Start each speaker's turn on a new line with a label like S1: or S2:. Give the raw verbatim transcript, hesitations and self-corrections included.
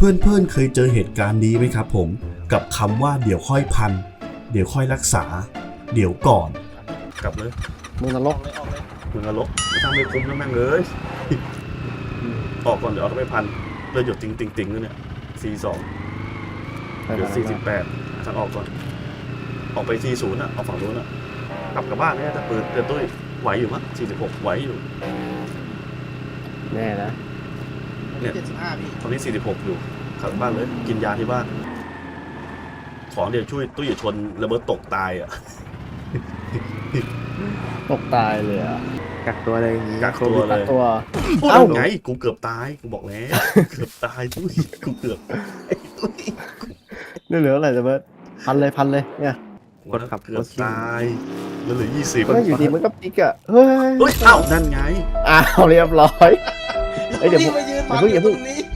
S1: พื่อนเพื่อนเคยเจอเหตุการณ์นี้ไหมครับผมกับคำว่าเดี๋ยวค่อยพันเดี๋ยวค่อยรักษาเดี๋ยวก่อนกลับเลย
S2: มึงนรก
S1: มึงนรกไม่ทำไม่คุ้มนะแม่งเลยออกก่อนเดี๋ยวเอาไปพันเลือดหยดติงติงติงเลยเนี่ยสี่สองเดี๋ยวสี่สิบแปดทางออกก่อนออกไปสี่ศูนย์อ่ะออกฝั่งนู้นอ่ะกลับกลับบ้านเนี่ยแต่เปิดเตือนตุ้ยไหวอยู่มั้งสี่สิบหกไหวอยู่
S2: แน่นะ
S1: เนี่ย
S3: เจ็ดสิบห้าพี่
S1: ตอนนี้สี่สิบหกอยู่กลับบ้านเลยกินยาที่บ้านของเดี๋ยวช่วยตุ้ยชนระเบิดตกตายอ่ะ
S2: ตกตายเลยอ่ะ
S4: กักตัวเลยอย่างงี้
S1: กักตัวเล
S2: ตัด
S1: ย
S2: ตัว
S1: เอ้าไงกูเกือบตายกูบอกแล้วเกือบตายตุ้ยกูเกือบไอ้ตุ้ย
S2: นี่เหลืออะไรจะเบิร์ดพันเลยพันเลยเนี่ย
S4: กดขับ
S1: เกื
S4: ก
S1: อบ
S4: ดขี่
S1: ตายแล้วเหลือยี่สิบ
S2: ก็อยู่ดีมันก็ปิกอ่ะเฮ้ย
S1: เฮ้ยเอ้านั่นไง
S2: อ้าวเรียบร้อย เอ้ยเดี๋ยว
S3: พี่มายืน
S2: อย่าเพิ่งอย่าเพิ่ง
S3: ตรงนี้